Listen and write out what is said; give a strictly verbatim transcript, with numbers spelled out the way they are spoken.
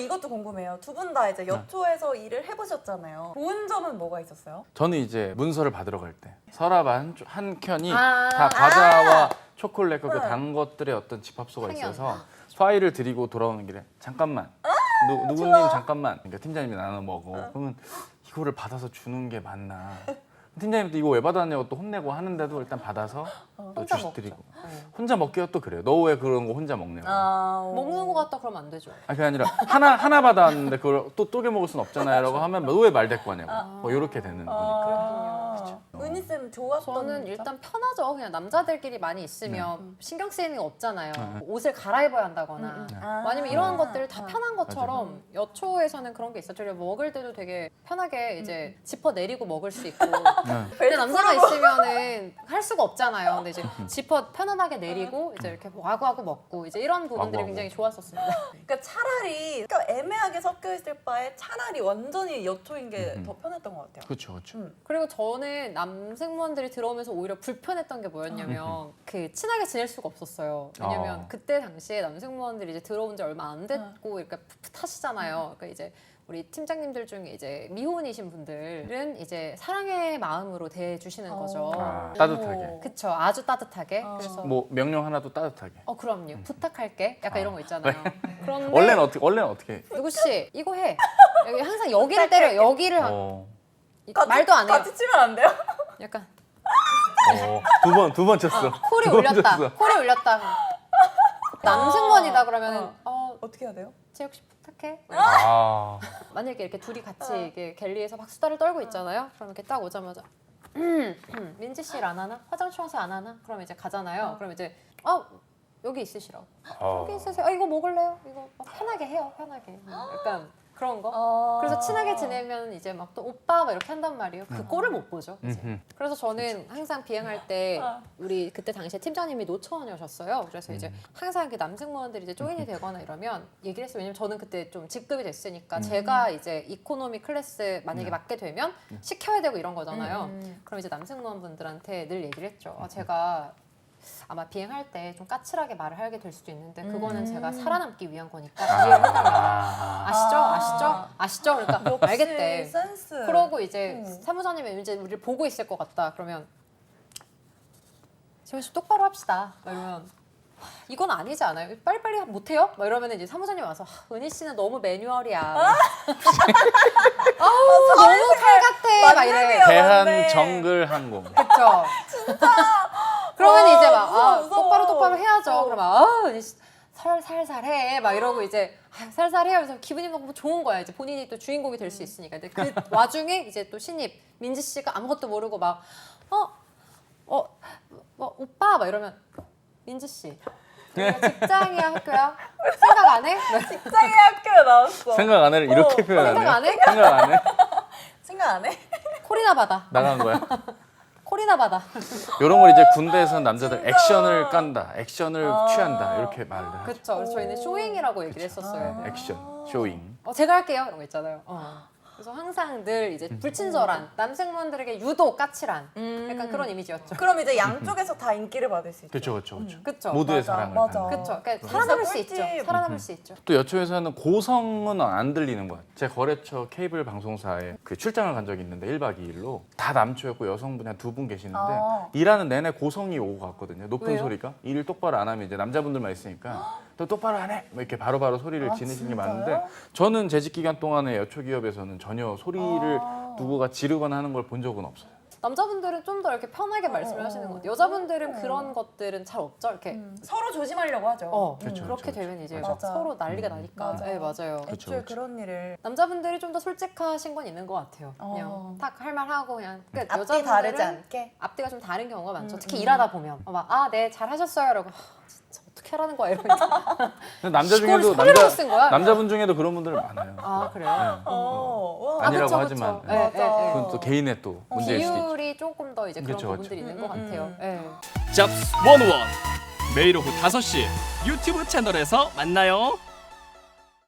이것도 궁금해요. 두 분 다 이제 여초에서 일을 해보셨잖아요. 좋은 점은 뭐가 있었어요? 저는 이제 문서를 받으러 갈 때 서랍 한, 한 켠이 아 다 과자와 아 초콜릿과 그 응. 단 것들의 어떤 집합소가 향연. 있어서 파일을 드리고 돌아오는 길에 잠깐만 누, 누구님 좋아. 잠깐만 그러니까 팀장님이 나눠 먹어 그러면 이거를 받아서 주는 게 맞나 팀장님도 이거 왜 받았냐고 또 혼내고 하는데도 일단 받아서 또 혼자 주시 먹죠. 드리고 네. 혼자 먹기가 또 그래요. 너 왜 그런 거 혼자 먹냐고. 아, 어. 먹는 거 같다 그러면 안 되죠. 아니 그게 아니라 하나 하나 받았는데 그걸 또 쪼개 먹을 순 없잖아요라고 하면 너 왜 말 데리고 하냐고. 뭐 이렇게 되는 거니까. 아, 은희 쌤 좋았던 저는 점? 일단 편하죠. 그냥 남자들끼리 많이 있으면 네. 신경 쓰이는 게 없잖아요. 네. 옷을 갈아입어야 한다거나 음, 음. 뭐 아니면 이런 아. 것들 다 아. 편한 것처럼 여초에서는 그런 게 있었죠. 그리고 먹을 때도 되게 편하게 이제 지퍼 내리고 먹을 수 있고 네. 근데 남자가 있으면은 할 수가 없잖아요. 근데 이제 지퍼 편안하게 내리고 이제 이렇게 와구와구 먹고 이제 이런 부분들이 와구와구. 굉장히 좋았었습니다. 그러니까 차라리 그러니까 애매하게 섞여 있을 바에 차라리 완전히 여초인 게 더 편했던 것 같아요. 그렇죠, 그렇죠. 음. 그리고 저는 남승무원들이 들어오면서 오히려 불편했던 게 뭐였냐면 그 친하게 지낼 수가 없었어요. 왜냐면 어. 그때 당시에 남승무원들이 이제 들어온 지 얼마 안 됐고 이렇게 풋풋하시잖아요. 그러니까 이제 우리 팀장님들 중에 이제 미혼이신 분들은 이제 사랑의 마음으로 대해주시는 어. 거죠. 아, 따뜻하게. 그쵸, 아주 따뜻하게. 어. 그래서 뭐 명령 하나도 따뜻하게. 어 그럼요, 부탁할게. 약간 아. 이런 거 있잖아요. 그런데 원래는 어떻게 원래는 어떻게? 누구 씨 이거 해. 여기 항상 여기를 때려. 여기를 하- 어. 같이- 말도 안 해요. 같이 치면 안 돼요? 약간 어. 두 번 두 번 쳤어. 콜이 두 번 울렸다. 쳤어. 콜이 울렸다. 남승원이다 그러면은 어, 어떻게 해야 돼요? 쟤 혹시 부탁해? 아. 만약에 이렇게 둘이 같이 어. 이렇게 갤리에서 막 수다를 떨고 있잖아요. 그럼 이렇게 딱 오자마자 음, 음, 민지 씨 일 안 하나? 화장 청소 안 하나? 그럼 이제 가잖아요. 어. 그럼 이제 어 여기 있으시라고. 어. 여기 있으세요. 아 이거 먹을래요? 이거 막 편하게 해요. 편하게. 약간 그런 거. 어. 그래서 친하게 지내면 이제 막 또 오빠 막 이렇게 한단 말이에요. 그 꼴을 못 보죠. 이제. 음흠. 그래서 저는 항상 비행할 때 어. 우리 그때 당시에 팀장님이 노처원이셨어요. 그래서 이제 음. 항상 이렇게 남승무원들이 이제 조인이 되거나 이러면 얘기를 했어요. 왜냐면 저는 그때 좀 직급이 됐으니까 음. 제가 이제 이코노미 클래스 만약에 네. 맡게 되면 시켜야 되고 이런 거잖아요. 음. 그럼 이제 남승무원분들한테 늘 얘기를 했죠. 아, 제가 아마 비행할 때 좀 까칠하게 말을 하게 될 수도 있는데 그거는 음. 제가 살아남기 위한 거니까 이해를 해달라. 아. 아시죠? 아. 아시죠? 아시죠? 그러니까 역시 알겠대. 센스. 그러고 이제 음. 사무장님이 이제 우리를 보고 있을 것 같다. 그러면 지원 씨 똑바로 합시다. 막 이러면 하, 이건 아니지 않아요? 빨리빨리 못해요? 막 이러면 이제 사무장님 와서 하, 은희 씨는 너무 매뉴얼이야. 아우 너무 칼 같아. 막 이래. 만렙이야. 대한 맞네. 정글 항공. 그쵸? 그러면 아, 이제 막 무서워, 아, 무서워. 똑바로 똑바로 해야죠. 어. 그러면 아 은희 씨 살, 살살 해. 막 이러고 이제 아, 살살 해요. 그래서 기분이 너무 좋은 거야. 이제 본인이 또 주인공이 될 수 있으니까. 근데 그 와중에 이제 또 신입 민지 씨가 아무것도 모르고 막 어? 어? 뭐 오빠? 막 이러면 민지 씨 이거 직장이야 학교야? 생각 안 해? 직장의 학교에 나왔어. 생각 안 해를 이렇게 어, 표현하네. 생각 안 해? 생각 안 해? 생각 안 해? 콜이나 받아. 나간 거야. 콜이나 받아. 이런 걸 이제 군대에서 남자들 진짜. 액션을 깐다, 액션을 아. 취한다 이렇게 말을 하죠. 그렇죠. 그래서 저희는 오. 쇼잉이라고 얘기를 했었어요. 아. 액션, 쇼잉. 어, 제가 할게요. 이런 거 있잖아요. 어. 그래서 항상 늘 이제 불친절한 남생분들에게 유독 까칠한 음. 약간 그런 이미지였죠. 그럼 이제 양쪽에서 다 인기를 받을 수 있죠. 그렇죠, 그렇죠, 그렇죠. 그쵸. 모두의 맞아, 사랑을 맞아. 받는. 그쵸. 그러니까 진짜 살아남을 수 꿀팁. 있죠. 살아남을 수 있죠. 또 여초에서는 고성은 안 들리는 거야. 제 거래처 케이블 방송사에 그 출장을 간 적이 있는데 일 박 이 일로 다 남초였고 여성분이 한 두 분 계시는데 아. 일하는 내내 고성이 오고 갔거든요. 높은 왜요? 소리가. 일 똑바로 안 하면 이제 남자분들만 있으니까 또 똑바로 안 해! 뭐 이렇게 바로바로 소리를 아, 지르시는 게 진짜요? 많은데 저는 재직 기간 동안에 여초 기업에서는 전혀 소리를 아. 누구가 지르거나 하는 걸 본 적은 없어요. 남자분들은 좀 더 이렇게 편하게 말씀을 어, 하시는 어. 것 같아요. 여자분들은 어. 그런 것들은 잘 없죠. 이렇게 음. 서로 조심하려고 하죠. 어, 그쵸, 그렇게 그쵸, 되면 이제 그쵸. 막 맞아. 서로 난리가 음. 나니까. 맞아. 네, 맞아요. 그쵸, 애초에 그쵸. 그런 일을 남자분들이 좀 더 솔직하신 건 있는 것 같아요. 어. 그냥 탁 할 말 하고 그냥. 그러니까 앞뒤 여자분들은 다르지 않게. 앞뒤가 좀 다른 경우가 많죠. 음, 특히 음. 일하다 보면 막 아, 네, 잘 하셨어요. 이러고 하, 진짜 어떻게 하라는 거야 이러고 근데 남자 이거를 중에도 소리로 남자 쓴 거야? 남자분 중에도 그런 분들 많아요. 아 그래요? 네. 어. 와. 아니라고 그쵸, 하지만 그쵸. 네. 네, 맞아. 네, 네. 그건 또 개인의 또 문제일 수도 있죠. 비율이 조금 더 이제 그런 그쵸, 부분들이 그쵸. 있는 것 음, 같아요. 음. 네. 잡스 원원 매일 오후 다섯 시 유튜브 채널에서 만나요.